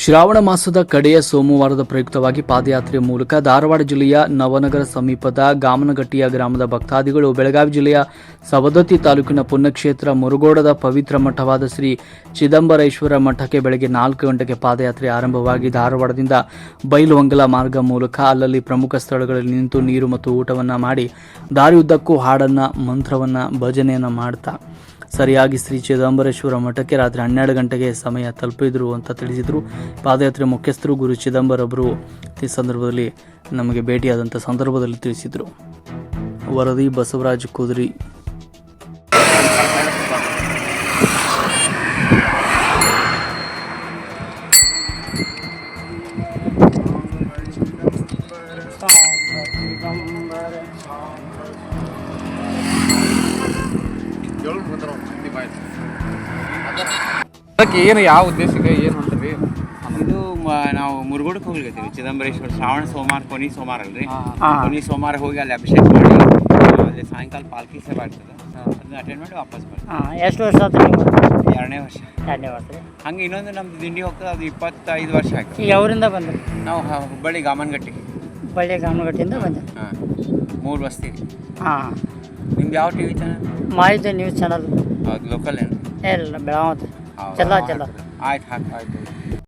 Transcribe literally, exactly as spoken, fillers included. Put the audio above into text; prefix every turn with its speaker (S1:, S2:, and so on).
S1: ಶ್ರಾವಣ ಮಾಸದ ಕಡೆಯ ಸೋಮವಾರದ ಪ್ರಯುಕ್ತವಾಗಿ ಪಾದಯಾತ್ರೆ ಮೂಲಕ ಧಾರವಾಡ ಜಿಲ್ಲೆಯ ನವನಗರ ಸಮೀಪದ ಗಾಮನಗಟ್ಟಿಯ ಗ್ರಾಮದ ಭಕ್ತಾದಿಗಳು ಬೆಳಗಾವಿ ಜಿಲ್ಲೆಯ ಸವದತ್ತಿ ತಾಲೂಕಿನ ಪುಣ್ಯಕ್ಷೇತ್ರ ಮುರುಗೋಡದ ಪವಿತ್ರ ಮಠವಾದ ಶ್ರೀ ಚಿದಂಬರೇಶ್ವರ ಮಠಕ್ಕೆ ಬೆಳಗ್ಗೆ ನಾಲ್ಕು ಗಂಟೆಗೆ ಪಾದಯಾತ್ರೆ ಆರಂಭವಾಗಿ ಧಾರವಾಡದಿಂದ ಬೈಲುಹೊಂಗಲ ಮಾರ್ಗ ಮೂಲಕ ಅಲ್ಲಲ್ಲಿ ಪ್ರಮುಖ ಸ್ಥಳಗಳಲ್ಲಿ ನಿಂತು ನೀರು ಮತ್ತು ಊಟವನ್ನು ಮಾಡಿ ದಾರಿಯುದ್ದಕ್ಕೂ ಹಾಡನ್ನು ಮಂತ್ರವನ್ನು ಭಜನೆಯನ್ನು ಮಾಡ್ತಾ ಸರಿಯಾಗಿ ಶ್ರೀ ಚಿದಂಬರೇಶ್ವರ ಮಠಕ್ಕೆ ರಾತ್ರಿ ಹನ್ನೆರಡು ಗಂಟೆಗೆ ಸಮಯ ತಲುಪಿದ್ರು ಅಂತ ತಿಳಿಸಿದರು. ಪಾದಯಾತ್ರೆ ಮುಖ್ಯಸ್ಥರು ಗುರು ಚಿದಂಬರವರು ಈ ಸಂದರ್ಭದಲ್ಲಿ ನಮಗೆ ಭೇಟಿಯಾದಂಥ ಸಂದರ್ಭದಲ್ಲಿ ತಿಳಿಸಿದರು. ವರದಿ ಬಸವರಾಜ್ ಕುದುರಿ.
S2: ಅದಕ್ಕೆ ಏನು ಯಾವ ಉದ್ದೇಶಕ್ಕೆ ಏನು ಅಂತೀರಿ?
S3: ಇದು ನಾವು ಮುರುಗೋಡಕ್ಕೆ ಹೋಗ್ಲಿಕತ್ತೀವಿ. ಚಿದಂಬರೇಶ್ವರ ಶ್ರಾವಣ ಸೋಮವಾರ ಕೊನೆ ಸೋಮವಾರ ಅಲ್ರಿ, ಕೊನೆ ಸೋಮವಾರ ಹೋಗಿ ಅಲ್ಲಿ ಅಭಿಷೇಕ ಮಾಡಿ ಅಲ್ಲಿ ಸಾಯಂಕಾಲ ಪಾಲ್ಕಿ ಸೇವೆ ಆಗ್ತದೆ, ಅದನ್ನ ಅಟೆಂಡ್ ಮಾಡಿ ವಾಪಸ್ ಬರ್ತೀವಿ.
S4: ಎಷ್ಟು ವರ್ಷ ಆಯ್ತು ನೀವು?
S3: ಎರಡನೇ ವರ್ಷ.
S4: ಎರಡನೇ ವರ್ಷ ರೀ.
S3: ಹಂಗೆ ಇನ್ನೊಂದು ನಮ್ದು ದಿಂಡಿ ಹೋಗ್ತದೆ, ಅದು ಇಪ್ಪತ್ತೈದು ವರ್ಷ ಆಯ್ತು.
S4: ಈಗ ಅವರಿಂದ ಬಂದ್ರಿ?
S3: ನಾವು ಹುಬ್ಬಳ್ಳಿ ಗಾಮನಗಟ್ಟಿ.
S4: ಹುಬ್ಬಳ್ಳಿ ಗಾಮನಗಟ್ಟಿಯಿಂದ ಬಂದ್ರಿ?
S3: ಹಾಂ, ಮೂರು ಬಸ್ತಿ.
S4: ಹಾಂ.
S3: ನಿಮ್ದು ಯಾವ ಟಿ ವಿ ಚಾನಲ್?
S4: ಮಾಹಿತಿ ನ್ಯೂಸ್ ಚಾನಲ್.
S3: ಹೌದು, ಲೋಕಲ್ ಏನು?
S4: ಇಲ್ಲ, ಬೆಳಗಾವಿ. ಚಲೋ ಚಲೋ.
S3: ಆಯ್ತು, ಹಾಕಿ ಆಯ್ತು.